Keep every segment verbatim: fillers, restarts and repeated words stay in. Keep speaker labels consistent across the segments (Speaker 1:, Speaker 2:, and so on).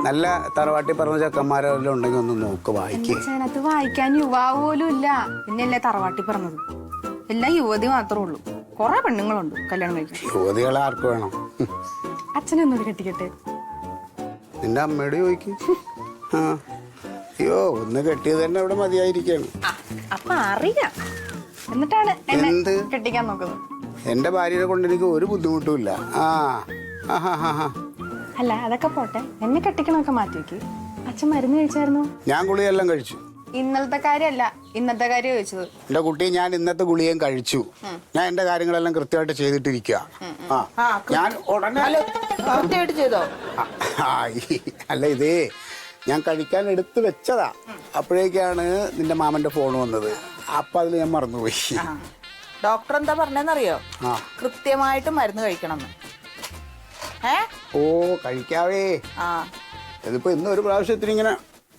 Speaker 1: നല്ല തറവാട്ടി പറഞ്ഞ ചെക്കന്മാരെല്ലാം ഉണ്ടെങ്കിൽ ഒന്ന് നോക്ക് വായിക്കേ.
Speaker 2: അതിനകത്ത് വായിക്കാൻ യുവാവ് പോലും ഇല്ല. പിന്നെയല്ലേ തറവാട്ടി പറഞ്ഞത്. എല്ലാം യുവതി മാത്രമേ ഉള്ളൂ. കൊറേ പെണ്ണുങ്ങളുണ്ട് കല്യാണം കഴിക്കാൻ.
Speaker 1: യുവതികളെ ആർക്ക് വേണം?
Speaker 2: അച്ഛനൊന്നുകൂടി കെട്ടിക്കട്ടെ.
Speaker 1: നിന്റെ അമ്മയോട് ചോദിക്കും. ആ അയ്യോ ഒന്ന് കെട്ടിയത് തന്നെ ഇവിടെ മതിയായിരിക്കാണ്.
Speaker 2: അപ്പൊ അറിയാം. എന്നിട്ടാണ്
Speaker 1: എന്ത്
Speaker 2: കെട്ടിക്കാൻ നോക്കുന്നത്.
Speaker 1: എന്റെ ഭാര്യയെ കൊണ്ട് എനിക്ക് ഒരു ബുദ്ധിമുട്ടുമില്ല. ആ
Speaker 2: അല്ല അതൊക്കെ പോട്ടെ, എന്നെ കെട്ടിക്കണമൊക്കെ മാറ്റി വെക്ക്. അച്ഛൻ മരുന്ന് കഴിച്ചായിരുന്നു?
Speaker 1: ഞാൻ ഗുളിയെല്ലാം കഴിച്ചു.
Speaker 2: ഇന്നലത്തെ കാര്യമല്ല, ഇന്നത്തെ കാര്യം ചോദിച്ചത്.
Speaker 1: എന്റെ കുട്ടി, ഞാൻ ഇന്നത്തെ ഗുളിയും കഴിച്ചു. ഞാൻ എന്റെ കാര്യങ്ങളെല്ലാം കൃത്യമായിട്ട് ചെയ്തിട്ടിരിക്കുക. ആ ഞാൻ ഉടനെ
Speaker 3: ചെയ്തോ?
Speaker 1: അല്ല ഇതേ ഞാൻ കഴിക്കാൻ എടുത്ത് വെച്ചതാ. അപ്പോഴേക്കാണ് നിന്റെ മാമന്റെ ഫോൺ വന്നത്. അപ്പൊ അതിൽ ഞാൻ മറന്നുപോയി.
Speaker 3: ഡോക്ടർ എന്താ പറഞ്ഞെന്നറിയോ? കൃത്യമായിട്ട് മരുന്ന് കഴിക്കണം. ഏ
Speaker 1: ഓ കഴിക്കാവേ.
Speaker 3: ആ
Speaker 1: ഇതിപ്പോ ഇന്ന് ഒരു പ്രാവശ്യത്തിന് ഇങ്ങനെ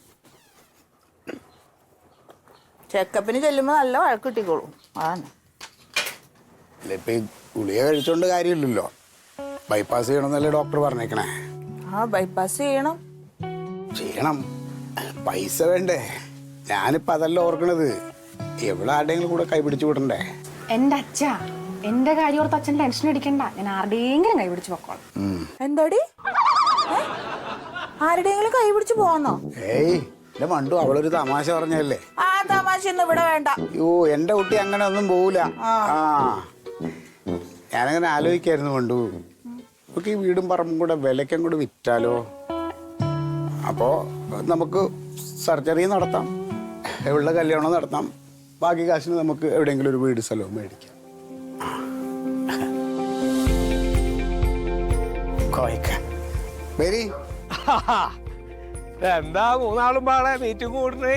Speaker 3: ചെക്കപ്പിന് ചെല്ലുമ്പോ നല്ല വഴക്ക് കിട്ടിക്കോളൂ. അതാണ്.
Speaker 1: അല്ല ഇപ്പൊ ഈ ഗുളിക കഴിച്ചോണ്ട് കാര്യമില്ലല്ലോ. ബൈപ്പാസ് ചെയ്യണമെന്നല്ലേ ഡോക്ടർ പറഞ്ഞേക്കണേ.
Speaker 3: ആ ബൈപ്പാസ് ചെയ്യണം.
Speaker 1: ചെയ്യണം, പൈസ വേണ്ടേ? ഞാനിപ്പോ അതല്ല ഓർക്കണത്. എവിടെ ആരുടെയെങ്കിലും കൂടെ കൈപിടിച്ചു വിടണ്ടേ?
Speaker 2: എന്റെ അച്ഛ, എന്റെ കാര്യം ഓർത്ത് അച്ഛൻ ടെൻഷൻ അടിക്കണ്ട. ഞാൻ ആരുടെയെങ്കിലും കൈ പിടിച്ച് പൊക്കോളാം.
Speaker 3: എന്താടി? ആരുടെയെങ്കിലും കൈ പിടിച്ച് പോവാന്നോ?
Speaker 1: ഏയ് എന്റെ മണ്ടു, അവളൊരു തമാശ പറഞ്ഞല്ലേ.
Speaker 3: ആ തമാശ ഒന്നും ഇവിടെ വേണ്ട.
Speaker 1: അയ്യോ എന്റെ കുട്ടി അങ്ങനെ ഒന്നും പോവൂല. ആ ഞാനങ്ങനെ ആലോചിക്കായിരുന്നു മണ്ടു, നമുക്ക് ഈ വീടും പറമ്പും കൂടെ വിലയ്ക്കും കൂടെ വിറ്റാലോ? അപ്പോ നമുക്ക് സർജറി നടത്താം, ഉള്ള കല്യാണം നടത്താം, ബാക്കി കാശിന് നമുക്ക് എവിടെയെങ്കിലും ഒരു വീട് സ്ഥലവും മേടിക്കാം. വരി.
Speaker 4: എന്താ മൂന്നാളും പാടെ മീറ്റിംഗ് കൂടണേ?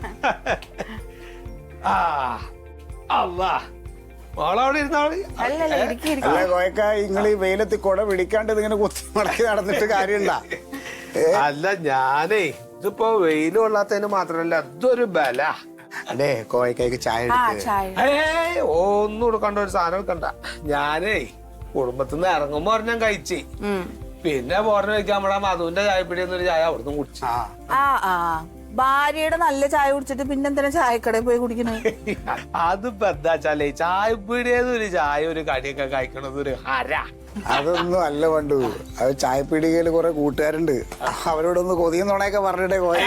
Speaker 4: ആ അല്ലാ മോളവിടെ ഇരുന്നാള്.
Speaker 1: അല്ല കോയക്ക, നിങ്ങൾ ഈ വെയിലത്ത് കുട പിടിക്കാണ്ട് ഇങ്ങനെ കുത്തി മടക്കി നടന്നിട്ട് കാര്യമുണ്ടാ?
Speaker 4: അല്ല ഞാനേ ഇതിപ്പോ വെയിൽ കൊള്ളാത്തതിന് മാത്രല്ല ഇതൊരു ബല.
Speaker 1: അല്ലേ കോയക്കായ്ക്ക് ചായ
Speaker 4: ഏയ് ഒന്നും കൊടുക്കണ്ട, ഒരു സാധനം എടുക്കണ്ട. ഞാനേ കുടുംബത്തിന്ന് ഇറങ്ങുമ്പോ ഒരെണ്ണം കഴിച്ച്, പിന്നെ പോരണ വെക്കാൻ നമ്മുടെ മധുവിന്റെ ചായപ്പിടി എന്നൊരു ചായ അവിടുന്ന് കുടിച്ചു.
Speaker 3: ആ ആ ഭാര്യയുടെ നല്ല ചായ കുടിച്ചിട്ട് പിന്നെന്തിനാ ചായക്കടയിൽ പോയി കുടിക്കണേ?
Speaker 4: അതിപ്പോ എന്താ വെച്ചാലേ ചായപ്പീടിയെന്ന് ഒരു ചായ ഒരു കടിയൊക്കെ കഴിക്കണത് ഒരു ഹര.
Speaker 1: അതൊന്നും അല്ല പണ്ടു, അത് ചായപ്പീടികയില് കുറെ കൂട്ടുകാരുണ്ട്, അവരോടൊന്ന് കൊതിയും നുണയൊക്കെ പറഞ്ഞിട്ടേ കോയ.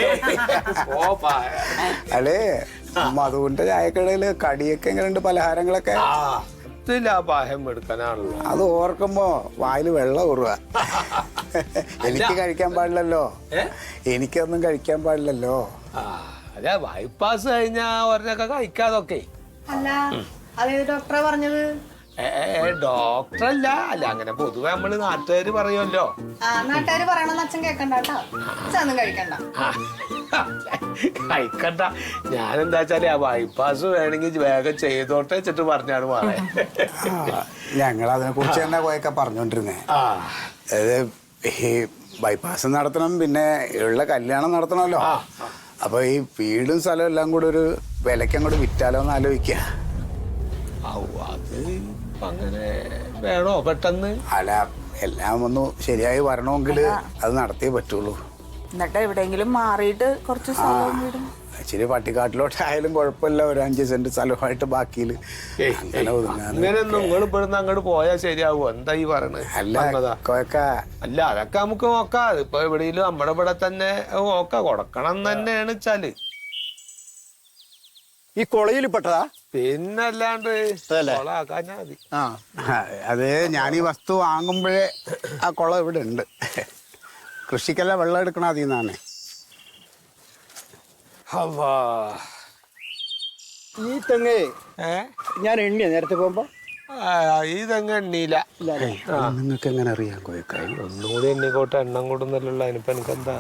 Speaker 1: അല്ലേ മധുവിന്റെ ചായക്കടയില് കടിയൊക്കെ എങ്ങനെയുണ്ട്, പലഹാരങ്ങളൊക്കെ?
Speaker 4: പായം എടുക്കാനാണല്ലോ.
Speaker 1: അത് ഓർക്കുമ്പോ വായില് വെള്ളം ഊറുക. എനിക്ക് കഴിക്കാൻ പാടില്ലല്ലോ, എനിക്കൊന്നും കഴിക്കാൻ പാടില്ലല്ലോ.
Speaker 4: അതെ ബൈപ്പാസ് കഴിഞ്ഞാ ഒരെണ്ണൊക്കെ കഴിക്കാതൊക്കെ.
Speaker 2: അല്ല അതേത് ഡോക്ടറാ പറഞ്ഞത്?
Speaker 4: ഏ ഡോക്ടറല്ല, അല്ല അങ്ങനെ പൊതുവെ നമ്മള് നാട്ടുകാര് പറയുമല്ലോ.
Speaker 2: നാട്ടുകാര് പറയണമെന്ന് അച്ഛൻ കേക്കണ്ട കേട്ടോ. അച്ഛനൊന്നും കഴിക്കണ്ട.
Speaker 4: കഴിക്കണ്ട. ഞാനെന്താ വെച്ചാല് ആ ബൈപ്പാസ് വേണമെങ്കിൽ വേഗം ചെയ്തോട്ടെ വെച്ചിട്ട് പറഞ്ഞാണ് മാറേ.
Speaker 1: ഞങ്ങൾ അതിനെ കുറിച്ച് തന്നെ പോയൊക്കെ പറഞ്ഞോണ്ടിരുന്നേ. അതായത് ഈ ബൈപ്പാസ് നടത്തണം, പിന്നെ ഉള്ള കല്യാണം നടത്തണമല്ലോ. അപ്പൊ ഈ വീടും സ്ഥലവും എല്ലാം കൂടെ ഒരു വിലക്കങ്ങോട്ട് വിറ്റാലോ എന്ന് ആലോചിക്ക.
Speaker 4: അത് അങ്ങനെ വേണോ പെട്ടെന്ന്?
Speaker 1: അല്ല എല്ലാം ഒന്ന് ശരിയായി വരണമെങ്കിൽ അത് നടത്തിയേ പറ്റുള്ളൂ.
Speaker 3: എന്നിട്ട് എവിടെയെങ്കിലും മാറിയിട്ട് കുറച്ച് സ്ഥലവും വീടും
Speaker 1: ഇച്ചിരി പട്ടിക്കാട്ടിലോട്ടായാലും കുഴപ്പമില്ല, ഒരു അഞ്ച് സെന്റ് സ്ഥലമായിട്ട് ബാക്കിയിൽ അങ്ങനെ
Speaker 4: അങ്ങനെയൊന്നും നിങ്ങൾ ഇവിടുന്ന് അങ്ങോട്ട് പോയാൽ ശരിയാവോ? എന്താ ഈ പറയണത്?
Speaker 1: അല്ല കൊയക്ക,
Speaker 4: അല്ല അതൊക്കെ നമുക്ക് നോക്കാം. ഇപ്പൊ എവിടെയെങ്കിലും നമ്മുടെ ഇവിടെ തന്നെ നോക്കാം, കൊടുക്കണം തന്നെയാണ് വെച്ചാല്.
Speaker 5: ഈ കൊളയിൽ പെട്ടതാ?
Speaker 4: പിന്നല്ലാണ്ട് കൊളാക്കാഞ്ഞാ മതി.
Speaker 1: ആ അത് ഞാൻ ഈ വസ്തു വാങ്ങുമ്പോഴേ ആ കുളം ഇവിടെ ഉണ്ട്. കൃഷിക്കെല്ലാം വെള്ളം എടുക്കണം അതിൽ നിന്നാണ്.
Speaker 5: ഈ തെങ്ങ്
Speaker 4: ഏ
Speaker 5: ഞാൻ എണ്ണിയ നേരത്തെ പോകുമ്പോ
Speaker 4: ഈ തെങ്ങ് എണ്ണീല.
Speaker 1: നിങ്ങൾക്ക് എങ്ങനെ അറിയാം കോയക്കായി?
Speaker 4: ഒന്നുകൂടി എണ്ണിക്കോട്ടെ, എണ്ണം കൂടുന്നല്ലോ. അതിനിപ്പോ എനിക്കെന്താ?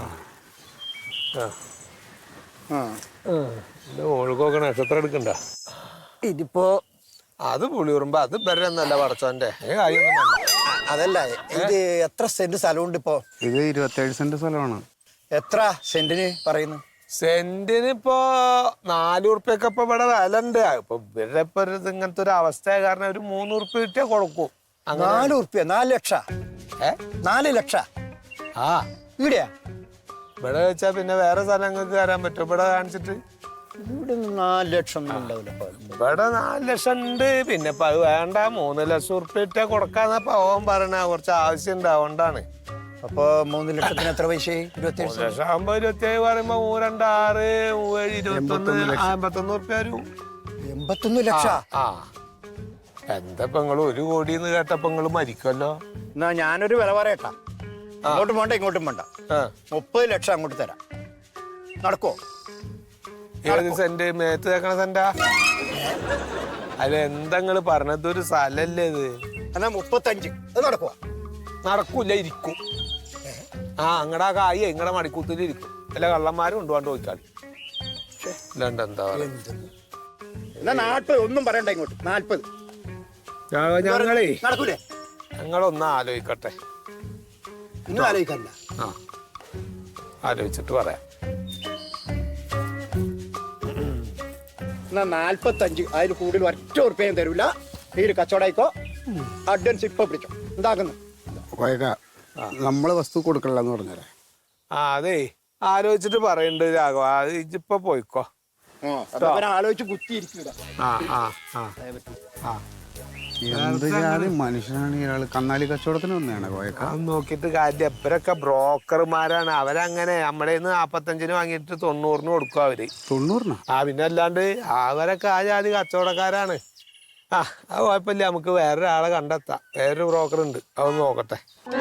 Speaker 4: ഓൾക്കൊക്കെ നക്ഷത്രം എടുക്കണ്ട.
Speaker 5: ഇതിപ്പോ
Speaker 4: അത് പുളിയുറുമ്പോ അത് ബരന്നല്ല പടച്ചോന്റെ
Speaker 5: അതല്ല. ഇത് എത്ര സെന്റ് സ്ഥലമുണ്ട് ഇപ്പോ?
Speaker 1: ഇത് ഇരുപത്തേഴ് സെന്റ് സ്ഥലമാണ്.
Speaker 5: എത്ര സെന്റിന് പറയുന്നു?
Speaker 4: സെന്റിന് ഇപ്പോ നാല് ഉറുപ്പ്യൊക്കെ ഇപ്പൊ ഇവിടെ വില ഉണ്ട്. ഇപ്പൊ ഇവരുടെ ഇപ്പൊ ഇങ്ങനത്തെ ഒരു അവസ്ഥ കാരണം ഒരു മൂന്ന് ഉറുപ്പ്യ കിട്ടിയാ കൊടുക്കും.
Speaker 5: നാല് ഉറുപ്പ്യ? നാല് ലക്ഷ? ഏ നാല് ലക്ഷ?
Speaker 4: ആ
Speaker 5: ഇവിടെയാ
Speaker 4: ഇവിടെ വെച്ചാ പിന്നെ വേറെ സ്ഥലങ്ങൾക്ക് കയറാൻ പറ്റും ഇവിടെ കാണിച്ചിട്ട്?
Speaker 5: ഇവിടെ നാല് ലക്ഷം ഒന്നും ഉണ്ടാവില്ല.
Speaker 4: ഇവിടെ നാല് ലക്ഷം ഉണ്ട്. പിന്നെ ഇപ്പൊ അത് വേണ്ട, മൂന്ന് ലക്ഷം ഉറുപ്പിട്ട കൊടുക്കാന്ന പവൻ പറയണ കുറച്ച് ആവശ്യം ഉണ്ട്, അതുകൊണ്ടാണ്.
Speaker 5: അപ്പൊ മൂന്ന് ലക്ഷത്തിന് എത്ര പൈസ? ഇരുപത്തി
Speaker 4: മൂന്ന് ലക്ഷം ആകുമ്പോ ഇരുപത്തിയേഴ് പറയുമ്പോ മൂന്ന് രണ്ട് ആറ് മൂവേഴ് ഇരുപത്തൊന്ന് അമ്പത്തൊന്ന് ഉറുപ്പ്യ വരും.
Speaker 5: എൺപത്തൊന്ന് ലക്ഷം.
Speaker 4: ആ എന്താ ഇപ്പൊ നിങ്ങള് ഒരു കോടിന്ന് കേട്ടപ്പോ നിങ്ങള് മരിക്കുമല്ലോ.
Speaker 5: എന്നാ ഞാനൊരു വില പറയട്ടാ. അങ്ങോട്ടും വേണ്ട ഇങ്ങോട്ടും വേണ്ട. മുപ്പത് ലക്ഷം അങ്ങോട്ട് തരാം. നടക്കോ?
Speaker 4: ഏത് സെന്റ്? മേത്ത് തേക്കണ സെന്റാ? അല്ല എന്താ നിങ്ങള് പറഞ്ഞത്? ഒരു സ്ഥലല്ലേ ഇത്?
Speaker 5: എന്നാ മുപ്പത്തഞ്ച്. അത് നടക്കുവാ?
Speaker 4: നടക്കൂല, ഇരിക്കും. ആ അങ്ങടെ ആ കായ ഇങ്ങടെ മടിക്കൂത്തിൽ ഇരിക്കും. അല്ല കള്ളന്മാരും കൊണ്ടുപോകാണ്ട് ചോദിച്ചാൽ അല്ലാണ്ട് എന്താ
Speaker 5: എന്നാ നാൽപ്പത്. ഒന്നും പറയണ്ട ഇങ്ങോട്ട്. നാൽപ്പത്.
Speaker 4: ഞങ്ങളേ
Speaker 5: നടക്കൂലേ?
Speaker 4: ഞങ്ങളൊന്ന് ആലോചിക്കട്ടെ.
Speaker 5: ഒന്നും ആലോചിക്കണ്ട.
Speaker 4: ആ ആലോചിച്ചിട്ട് പറയാം.
Speaker 5: എന്നാ നാൽപ്പത്തഞ്ച്. അതിൽ കൂടുതൽ ഒറ്റ ഉറുപ്പ്യം തരൂല. ഈ കച്ചവടമായിക്കോ. അഡ്വാൻസ് ഇപ്പൊ പിടിച്ചോ. എന്താക്കുന്നു?
Speaker 1: കോയക്ക നമ്മള് വസ്തു കൊടുക്കണില്ലെന്ന് പറഞ്ഞല്ലേ?
Speaker 4: ആ അതെ, ആലോചിച്ചിട്ട് പറയണ്ട് രാഘവ. അത് ഇജിപ്പൊ പോയിക്കോ.
Speaker 5: ആലോചിച്ച് കുത്തിയിരിക്കുക.
Speaker 4: ആ ആ ആ ആ
Speaker 1: എന്ത് ജാതി മനുഷ്യനാണ് ഇയാൾ? കന്നാലി കച്ചവടത്തിന് വന്നതാണ് കോയക്ക.
Speaker 4: അത് നോക്കിയിട്ട് കാര്യം. എപ്പരൊക്കെ ബ്രോക്കർമാരാണ്. അവരങ്ങനെ നമ്മുടെ നിന്ന് നാപ്പത്തഞ്ചിന് വാങ്ങിയിട്ട് തൊണ്ണൂറിന് കൊടുക്കും അവര്.
Speaker 1: തൊണ്ണൂറിനാ?
Speaker 4: ആ പിന്നെ അല്ലാണ്ട് അവരൊക്കെ ആ ജാതി കച്ചവടക്കാരാണ്. ആ അത് കുഴപ്പമില്ല, നമുക്ക് വേറൊരാളെ കണ്ടെത്താം. വേറൊരു ബ്രോക്കർ ഉണ്ട്, അതൊന്ന് നോക്കട്ടെ.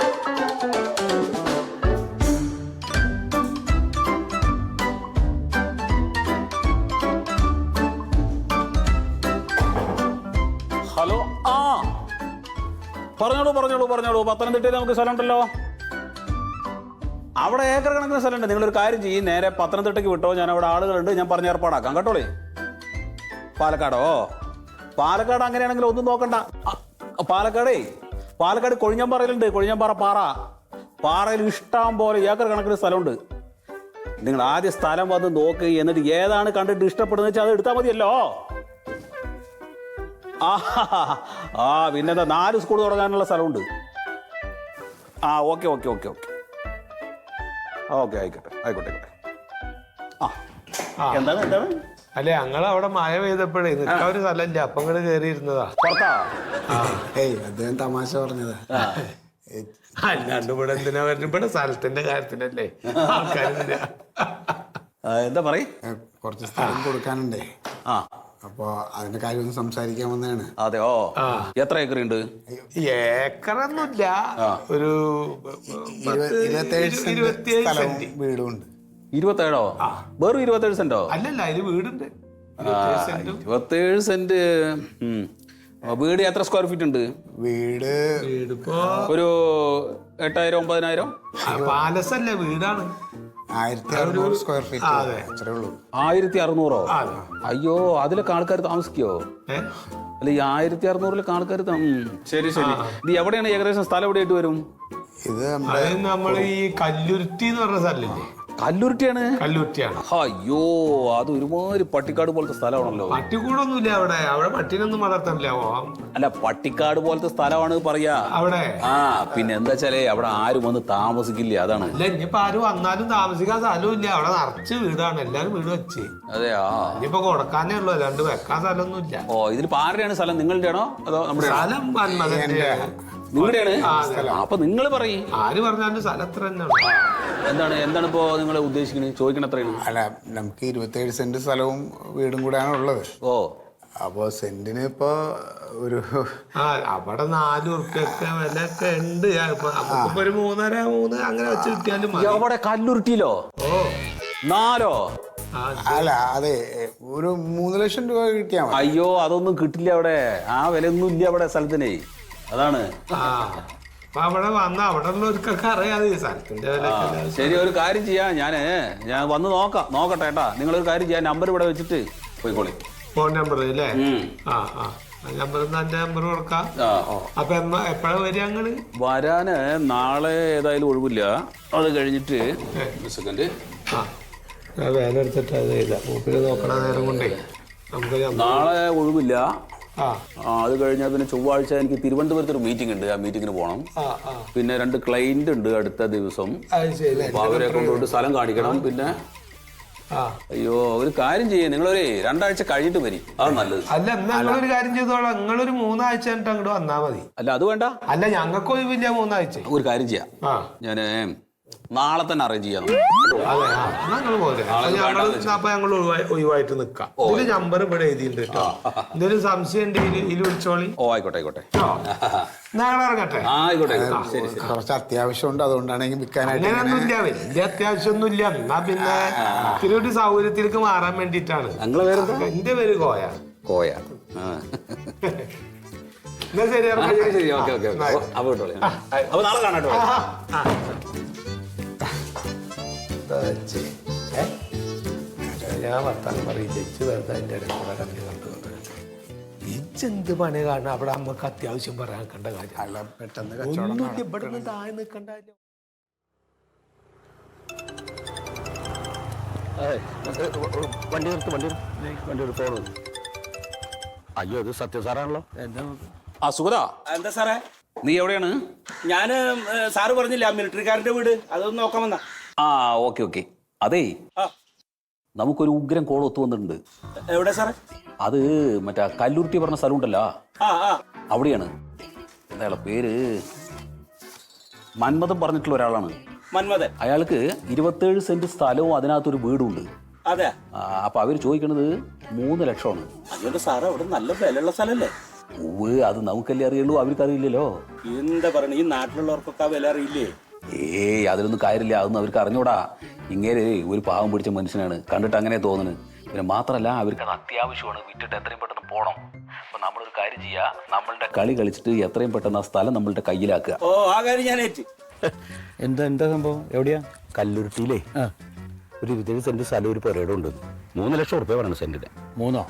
Speaker 6: ഹലോ. ആ പറഞ്ഞോളൂ പറഞ്ഞോളൂ പറഞ്ഞോളൂ. പത്തനംതിട്ടയിൽ നമുക്ക് സ്ഥലം ഉണ്ടല്ലോ. അവിടെ ഏക്കർ കണക്കിന് സ്ഥലമുണ്ട്. നിങ്ങളൊരു കാര്യം ചെയ്യും, നേരെ പത്തനംതിട്ടയ്ക്ക് വിട്ടോ. ഞാൻ അവിടെ ആളുകളുണ്ട്, ഞാൻ പറഞ്ഞ് ഏർപ്പാടാക്കാം കേട്ടോളേ. പാലക്കാടോ? പാലക്കാട് അങ്ങനെയാണെങ്കിൽ ഒന്നും നോക്കണ്ട. പാലക്കാടേ പാലക്കാട് കൊഴിഞ്ഞമ്പാറയിലുണ്ട്. കൊഴിഞ്ഞമ്പാറ പാറ. പാറയിൽ ഇഷ്ടം പോലെ ഏക്കർ കണക്കിന് സ്ഥലമുണ്ട്. നിങ്ങൾ ആദ്യം സ്ഥലം വന്ന് നോക്ക്, എന്നിട്ട് ഏതാണ് കണ്ടിട്ട് ഇഷ്ടപ്പെടുന്നത് വെച്ചാൽ അത് എടുത്താൽ മതിയല്ലോ. ആ ആ പിന്നെന്താ, നാല് സ്കൂൾ തുടങ്ങാനുള്ള സ്ഥലമുണ്ട്. ആ okay okay okay okay okay ആയിക്കോട്ടെ ആയിക്കോട്ടെ ആയിക്കോട്ടെ. ആ എന്താണ് എന്താണ്?
Speaker 4: അല്ലെ ഞങ്ങൾ അവിടെ മഴ പെയ്തപ്പോഴേ നിൽക്കാൻ ഒരു സ്ഥലമില്ല, അപ്പൊ ഇങ്ങോട്ട് കയറിയിരുന്നതാ.
Speaker 6: പുറത്താ?
Speaker 1: ഏയ് അദ്ദേഹം തമാശ പറഞ്ഞത്.
Speaker 4: അല്ലാണ്ട് ഇവിടെ എന്തിനാ വരുന്നത്? ഇവിടെ സ്ഥലത്തിന്റെ കാര്യത്തിനല്ലേ ആൾക്കാരില്ല.
Speaker 6: എന്താ പറയ്?
Speaker 1: കുറച്ച് സ്ഥലം കൊടുക്കാനുണ്ടേ.
Speaker 6: ആ
Speaker 1: അപ്പൊ അതിന്റെ കാര്യം ഒന്ന് സംസാരിക്കാൻ വന്നതാണ്.
Speaker 6: അതെയോ? എത്ര ഏക്കർ ഉണ്ട്?
Speaker 4: ഏക്കറൊന്നുമില്ല, ഒരു
Speaker 1: ഇരുപത്തേഴ് സെന്റ് വീടും ഉണ്ട്.
Speaker 6: ഇരുപത്തേഴോ? വെറും ഇരുപത്തേഴ് സെന്റോ?
Speaker 4: അല്ലല്ല, അതിന് വീടുണ്ട്.
Speaker 6: ഇരുപത്തേഴ് സെന്റ്. വീട് എത്ര സ്ക്വയർ ഫീറ്റ് ഉണ്ട്?
Speaker 1: വീട്
Speaker 4: വീടിപ്പോ
Speaker 6: ഒരു എട്ടായിരം ഒമ്പതിനായിരം.
Speaker 4: പാലസല്ലേ, വീടാണ്.
Speaker 1: ആയിരത്തി അറുന്നൂറ് സ്ക്വയർ ഫീറ്റ് അത്രേ ഉള്ളൂ.
Speaker 6: ആയിരത്തി അറുന്നൂറോ? അയ്യോ, അതിലൊക്കെ ആൾക്കാർ താമസിക്കോ? അല്ല ഈ ആയിരത്തി അറുന്നൂറിലൊക്കെ ആൾക്കാർ. ശരി ശരി. ഇത് എവിടെയാണ് ഏകദേശം സ്ഥലം എവിടെയായിട്ട് വരും?
Speaker 1: ഇത്
Speaker 4: നമ്മൾ ഈ കല്ലുരുത്തി എന്ന് പറഞ്ഞ സ്ഥലമില്ലേ?
Speaker 6: കല്ലുരുട്ടിയാണ്.
Speaker 4: കല്ലുരുട്ടിയാണ്.
Speaker 6: അയ്യോ, അത് ഒരുമാതിരി പട്ടിക്കാട് പോലത്തെ സ്ഥലമാണല്ലോ.
Speaker 4: പട്ടിക്കൂടൊന്നുമില്ല അവിടെ. അവിടെ പട്ടിനൊന്നും വളർത്തണില്ല.
Speaker 6: അല്ല, പട്ടിക്കാട് പോലത്തെ സ്ഥലമാണ് പറയാ
Speaker 4: അവിടെ. ആ
Speaker 6: പിന്നെ എന്താ വെച്ചാലേ അവിടെ ആരും വന്ന് താമസിക്കില്ല, അതാണ്.
Speaker 4: അല്ല, ഇനിയിപ്പോ ആരും വന്നാലും താമസിക്കാൻ സ്ഥലവും ഇല്ല. അവിടെ നിറച്ച് വീടാണ്, എല്ലാരും വീട് വെച്ച്.
Speaker 6: അതെയാ?
Speaker 4: ഇനിയിപ്പോ കൊടുക്കാനേ ഉള്ളു, അല്ലാണ്ട് വെക്കാൻ സ്ഥലമൊന്നും ഇല്ല.
Speaker 6: ഓ, ഇതിൽ ആരുടെയാണ് സ്ഥലം? നിങ്ങളുടെ ആണോ അതോ നമ്മുടെ?
Speaker 4: സ്ഥലം മന്മഥന്റെ.
Speaker 6: നിങ്ങളുടെയാണ്? അപ്പൊ നിങ്ങൾ പറയും.
Speaker 4: ആര് പറഞ്ഞാലും സ്ഥലം എത്ര തന്നെയാണ്.
Speaker 6: എന്താണ് എന്താണ് ഇപ്പോ നിങ്ങൾ ഉദ്ദേശിക്കുന്നത്? ചോദിക്കണം എത്രയാണ്?
Speaker 1: അല്ല, നമുക്ക് ഇരുപത്തേഴ് സെന്റ് സ്ഥലവും വീടും കൂടെയാണ് ഉള്ളത്.
Speaker 6: ഓ,
Speaker 1: അപ്പൊ സെന്റിന് ഇപ്പൊ ഒരു
Speaker 4: ആ അവിടെ നാല് ഉറുപ്പ്യൊക്കെ വില ഒക്കെ ഉണ്ട്. നമുക്കിപ്പോ ഒരു മൂന്നര മൂന്ന് അങ്ങനെ വെച്ച് കിട്ടിയാലും മതി.
Speaker 6: അവിടെ കല്ലുരുട്ടിയിലോ?
Speaker 4: ഓ,
Speaker 6: നാലോ?
Speaker 1: അല്ല, അതെ, ഒരു മൂന്ന് ലക്ഷം രൂപ കിട്ടിയാ മതി.
Speaker 6: അയ്യോ, അതൊന്നും കിട്ടില്ല അവിടെ. ആ വിലയൊന്നും ഇല്ല അവിടെ സ്ഥലത്തിനെ, അതാണ്.
Speaker 4: ആ അപ്പൊ അവിടെ വന്ന അവിടെ ഉള്ളവർക്കൊക്കെ അറിയാതെ സ്ഥലത്തിന്റെ വില.
Speaker 6: ശരി, ഒരു കാര്യം ചെയ്യാം. ഞാന് ഞാൻ വന്ന് നോക്കാം, നോക്കട്ടെ ഏട്ടാ. നിങ്ങളൊരു കാര്യം ചെയ്യാം, നമ്പർ ഇവിടെ വെച്ചിട്ട് പോയിക്കോളി.
Speaker 4: ഫോൺ നമ്പർ അല്ലേ? ആ ആ നമ്പർ എന്റെ നമ്പർ കൊടുക്കാം. അപ്പൊ എപ്പോഴാ വരിക ഞങ്ങള്?
Speaker 6: വരാന് നാളെ ഏതായാലും ഒഴിവില്ല. അത് കഴിഞ്ഞിട്ട് സെക്കൻഡ്
Speaker 4: ആ വേല എടുത്തിട്ട് അത് ചെയ്ത മൂപ്പില് നോക്കണ നേരം കൊണ്ടേ നമുക്ക്
Speaker 6: നാളെ ഒഴിവില്ല.
Speaker 4: ആ
Speaker 6: അത് കഴിഞ്ഞാൽ പിന്നെ ചൊവ്വാഴ്ച എനിക്ക് തിരുവനന്തപുരത്ത് ഒരു മീറ്റിംഗ് ഉണ്ട്. ആ മീറ്റിങ്ങിന് പോകണം.
Speaker 4: ആ ആ
Speaker 6: പിന്നെ രണ്ട് ക്ലൈന്റ് ഉണ്ട് അടുത്ത ദിവസം.
Speaker 4: അത് ശരി.
Speaker 6: അപ്പൊ അവരെ കൊണ്ടുപോയിട്ട് സ്ഥലം കാണിക്കണം. പിന്നെ
Speaker 4: ആ
Speaker 6: അയ്യോ ഒരു കാര്യം ചെയ്യേ, നിങ്ങളൊരു രണ്ടാഴ്ച കഴിഞ്ഞിട്ട് വരി, അത് നല്ലത്.
Speaker 4: അല്ല എന്നാ നിങ്ങളൊരു കാര്യം ചെയ്തോളാം, നിങ്ങളൊരു മൂന്നാഴ്ച കഴിഞ്ഞിട്ട് അങ്ങോട്ട് വന്നാ മതി.
Speaker 6: അല്ല അത് വേണ്ട,
Speaker 4: അല്ല ഞങ്ങൾക്ക് ഒഴിവില്ല മൂന്നാഴ്ച.
Speaker 6: ഒരു കാര്യം ചെയ്യാം,
Speaker 4: ആ
Speaker 6: ഞാന് നാളെ തന്നെ അറേഞ്ച് ചെയ്യാം.
Speaker 4: അതെ ആ ഞങ്ങൾ പോലെ ഞങ്ങൾ അപ്പൊ ഞങ്ങൾ ഒഴിവായിട്ട് നിക്കാം. ഇതില് നമ്പർ ഇവിടെ എഴുതിയിട്ടുണ്ട് കേട്ടോ. എന്തൊരു സംശയം ഉണ്ട് ഇതിൽ വിളിച്ചോളി.
Speaker 6: ഓ ആയിക്കോട്ടെ ആയിക്കോട്ടെ
Speaker 4: ഞങ്ങൾ ഇറങ്ങട്ടെ.
Speaker 6: ആ ആയിക്കോട്ടെ ശരി ശരി.
Speaker 1: കുറച്ച് അത്യാവശ്യമുണ്ട്, അതുകൊണ്ടാണെങ്കിൽ വിൽക്കാനായിട്ട്
Speaker 4: അങ്ങനെയൊന്നുമില്ല, വലിയ അത്യാവശ്യമൊന്നുമില്ല. എന്നാ പിന്നെ ഇത്തിരി ഒരു സൗകര്യത്തിലേക്ക് മാറാൻ വേണ്ടിട്ടാണ്.
Speaker 6: ഞങ്ങളെ പേര്
Speaker 4: എന്റെ പേര് കോയ.
Speaker 6: കോയ.
Speaker 4: എന്നാ ശരി
Speaker 6: ശരി ഓക്കെ ഓക്കെ. അപ്പൊ കിട്ടോളെ, അപ്പൊ നാളെ കാണാട്ടോ.
Speaker 4: ഞാൻ വർത്താനം പറയും ജഡ്ജ് വെറുതെ അതിന്റെ ഇടയ്ക്കൂടെ കണ്ടു കണ്ടു ഇജെന്ത് പണി കാരണം അവിടെ അമ്മക്ക് അത്യാവശ്യം പറയാൻ കണ്ട കാര്യം.
Speaker 1: അല്ല പെട്ടെന്ന്
Speaker 4: ഒന്നുമില്ല, ഇവിടെ നിന്ന് താഴെ നിൽക്കണ്ട.
Speaker 5: വണ്ടി നിർത്ത്, വണ്ടി വണ്ടി എടുത്തോളൂ. അയ്യോ ഇത് സത്യ സാറാണല്ലോ.
Speaker 6: ആ സുഗത,
Speaker 7: എന്താ സാറേ?
Speaker 6: നീ എവിടെയാണ്?
Speaker 7: ഞാന് സാറ് പറഞ്ഞില്ല മിലിറ്ററിക്കാരന്റെ വീട്, അതൊന്ന് നോക്കാൻ വന്നാ.
Speaker 6: ആ ഓക്കെ ഓക്കെ. അതേ
Speaker 7: ആ
Speaker 6: നമുക്കൊരു ഉഗ്രം കോൾ ഒത്തു വന്നിട്ടുണ്ട്.
Speaker 7: എവിടെ സാറേ?
Speaker 6: അത് മറ്റേ കല്ലൂർട്ടി പറഞ്ഞ സ്ഥലം ഉണ്ടല്ലോ,
Speaker 7: ആ ആ
Speaker 6: അവിടെയാണ്. എന്താ പേര്? മന്മഥൻ പറഞ്ഞിട്ടുള്ള ഒരാളാണ്.
Speaker 7: മന്മഥൻ?
Speaker 6: അയാൾക്ക് ഇരുപത്തേഴ് സെന്റ് സ്ഥലവും അതിനകത്തൊരു വീടുണ്ട്.
Speaker 7: അതെ.
Speaker 6: അപ്പൊ അവര് ചോദിക്കണത് മൂന്ന് ലക്ഷമാണ്.
Speaker 7: അതുകൊണ്ട് സാറേ അവിടെ നല്ല വിലയുള്ള സ്ഥലല്ലേ?
Speaker 6: ഓ അത് നമുക്കല്ലേ അറിയുള്ളൂ, അവർക്ക് അറിയില്ലല്ലോ.
Speaker 7: എന്താ പറയണ, ഈ നാട്ടിലുള്ളവർക്കൊക്കെ ആ വില അറിയില്ലേ?
Speaker 6: ഏയ് അതിലൊന്നും കാര്യമില്ല, അതൊന്നും അവർക്ക് അറിഞ്ഞൂടാ. ഇങ്ങനെ ഒരു പാവം പിടിച്ച മനുഷ്യനാണ്, കണ്ടിട്ട് അങ്ങനെ തോന്നുന്നു. പിന്നെ മാത്രമല്ല അവർക്ക് അത് അത്യാവശ്യമാണ്, വിറ്റിട്ട് എത്രയും പെട്ടെന്ന് പോകണം. അപ്പൊ നമ്മളൊരു കാര്യം ചെയ്യാ, നമ്മളുടെ കളി കളിച്ചിട്ട് എത്രയും പെട്ടെന്ന് ആ സ്ഥലം നമ്മളുടെ കയ്യിലാക്കുക.
Speaker 7: ഓ ആ കാര്യം ഞാൻ ഏറ്റ്.
Speaker 5: എന്താ എന്താ സംഭവം? എവിടെയാ? കല്ലുരുട്ടിയിലേ ഒരു ഇരുപത്തേഴ് സെന്റ് സ്ഥലം ഒരു പുരയുടെ ഉണ്ട്. മൂന്ന് ലക്ഷം ഉറുപ്പ്യ പറയണം സെന്റിന്.
Speaker 8: മൂന്നോ?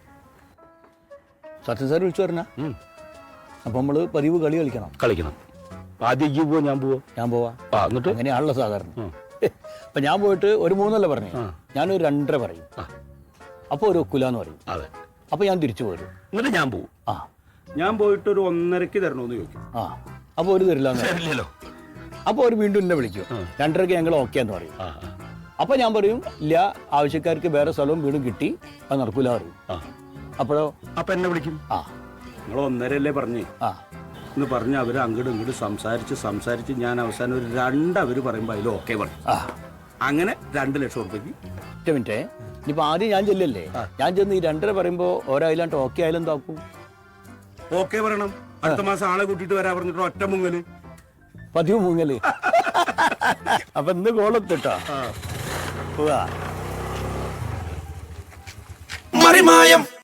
Speaker 8: സത്യം സാർ വിളിച്ചു പറഞ്ഞ അപ്പൊ നമ്മള് പതിവ് കളി കളിക്കണം.
Speaker 5: കളിക്കണം. ആദ്യം ഈ പോവോ ഞാൻ പോവോ?
Speaker 8: ഞാൻ പോവാ.
Speaker 5: ആ എന്നിട്ട്
Speaker 8: അങ്ങനെയാണല്ലോ സാധാരണ. അപ്പൊ ഞാൻ പോയിട്ട് ഒരു മൂന്നല്ല പറഞ്ഞു, ഞാനൊരു രണ്ടര പറയും. അപ്പൊ ഒരു ഒക്കുലാന്ന് പറയും.
Speaker 5: അതെ.
Speaker 8: അപ്പൊ ഞാൻ തിരിച്ചു പോരും.
Speaker 5: എന്നിട്ട് ഞാൻ പോവും.
Speaker 8: ആ
Speaker 5: ഞാൻ പോയിട്ട് ഒരു ഒന്നരക്ക് തരണോന്ന് ചോദിക്കും.
Speaker 8: ആ അപ്പൊ ഒരു തരില്ലാന്ന്
Speaker 5: തരില്ലല്ലോ.
Speaker 8: അപ്പൊ ഒരു വീണ്ടും എന്നെ വിളിക്കും, രണ്ടരക്ക് ഞങ്ങൾ ഓക്കെന്ന് പറയും. അപ്പൊ ഞാൻ പറയും ഇല്ല, ആവശ്യക്കാർക്ക് വേറെ സ്ഥലവും വീടും കിട്ടി, അത് നടക്കൂല പറയും. അപ്പോഴോ?
Speaker 5: അപ്പൊ എന്നെ വിളിക്കും.
Speaker 8: ആ
Speaker 5: നിങ്ങൾ ഒന്നരല്ലേ പറഞ്ഞേ
Speaker 8: ആ
Speaker 5: എന്ന് പറഞ്ഞ് അവർ അങ്ങോട്ടും ഇങ്ങോട്ടും സംസാരിച്ച് സംസാരിച്ച് ഞാൻ അവസാനം ഒരു രണ്ടവർ പറയുമ്പോൾ അതിൽ ഓക്കെ പറയും.
Speaker 8: ആ
Speaker 5: അങ്ങനെ രണ്ട് ലക്ഷം ഉറുപ്പ്യക്ക്.
Speaker 8: ഒറ്റ മിനിറ്റേ, ഇനിയിപ്പോ ആദ്യം ഞാൻ ചെല്ലല്ലേ, ഞാൻ ചെന്ന് ഈ രണ്ടര പറയുമ്പോ ഓരായില്ലാണ്ട് ഓക്കെ ആയാലും എന്താക്കും?
Speaker 5: ഓക്കെ പറയണം. അടുത്ത മാസം ആളെ കൂട്ടിയിട്ട് വരാൻ പറഞ്ഞിട്ട് ഒറ്റ മുങ്ങല്
Speaker 8: പതിവ് മുങ്ങല്. അപ്പൊ ഇന്ന് കോളത്തിട്ടാ പോവാ.
Speaker 9: മറിമായം